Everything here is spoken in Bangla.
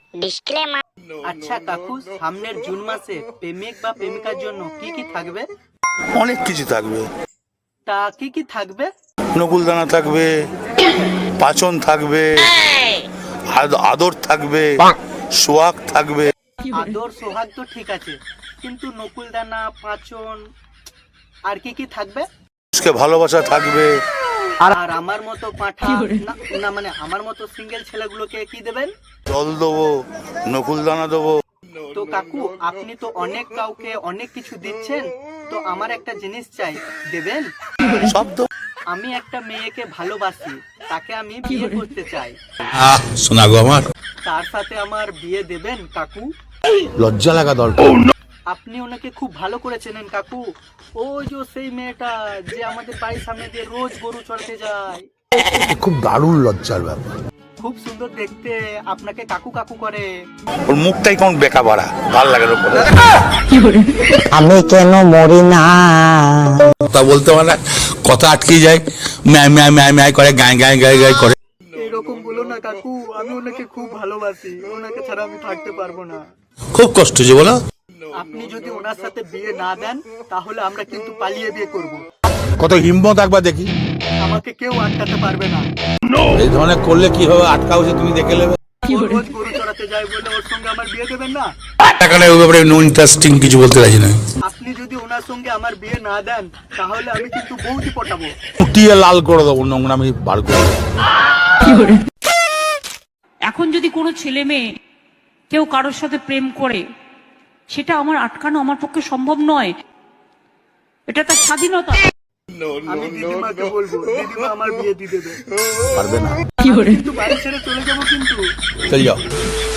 ডিসক্লেমার। আচ্ছা কাকু, সামনের জুন মাসে প্রেমিক বা প্রেমিকার জন্য কি কি থাকবে? অনেক কিছু থাকবে। তা কি কি থাকবে? নকুলদানা থাকবে, পাচন থাকবে, আদর থাকবে, সোহাগ থাকবে। আদর সোহাগ তো ঠিক আছে, কিন্তু নকুলদানা, পাঁচন, আর কি কি থাকবে? ভালোবাসা থাকবে। আর আমার মতো পাঁঠা না, না মানে আমার মতো সিঙ্গেল ছেলেগুলোকে কি দেবেন? জল দেবো, নকুলদানা দেবো। তো কাকু, আপনি তো অনেক কাউকে অনেক কিছু দিচ্ছেন, তো আমার একটা জিনিস চাই, দেবেন? সব দেবো। আমি একটা মেয়েকে ভালোবাসি, তাকে আমি বিয়ে করতে চাই, শোনা গো আমার, তার সাথে আমার বিয়ে দেবেন কাকু? লজ্জা লাগা দরকার। আপনি ওনাকে খুব ভালো করে চেনেন কাকু। ওই যে সেই মেয়েটা যে আমাদের বাড়ির সামনে দিয়ে রোজ গরু চড়াতে যায়, খুব দারুণ লজ্জার ব্যাপার। খুব সুন্দর দেখতে, আপনাকে কাকু কাকু করে। ওর মুখটাই কেমন বেকা বাড়া, ভাল লাগে না। আমি কেন মরি না? কথা বলতে পারে, কথা আটকে যায়, ম্যায় ম্যায় ম্যায় ম্যায় করে, গায়ে গায়ে গায়ে গায়ে করে। এরকম বলো না কাকু, আমি ওনাকে খুব ভালোবাসি, ওনাকে ছাড়া আমি থাকতে পারবো না। খুব কষ্ট যে বলো। আপনি যদি ওনার সাথে বিয়ে না দেন, তাহলে আমরা কিন্তু পালিয়ে বিয়ে করব। কত হিম্মত একবার দেখি। আমাকে কেউ আটকাতে পারবে না। এই ধরনের করলে কি হবে, আটকা হচ্ছে তুমি দেখে নেবে। ও রোজ গরু চড়াতে যায় বলে ওর সঙ্গে আমার বিয়ে দেবেন না? এখানে ওই ব্যাপারে নো ইন্টারেস্টিং কিছু বলতে রাজি না। আপনি যদি ওনার সঙ্গে আমার বিয়ে না দেন, তাহলে আমি কিন্তু বউটি পটাবো। ফুটিয়ে লাল করে দেবো, নোংরামি বার করে দেবো। এখন যদি কোনো ছেলে মেয়ে কেউ কারোর সাথে প্রেম করে, সেটা আমার আটকানো আমার পক্ষে সম্ভব নয়। এটা তার স্বাধীনতা। আমি দিদিমাকে বলবো, দিদিমা আমার বিয়ে দিয়ে দেবে। পারবে না, কিন্তু বাড়ি ছেড়ে চলে যাবো কিন্তু। চল যাও।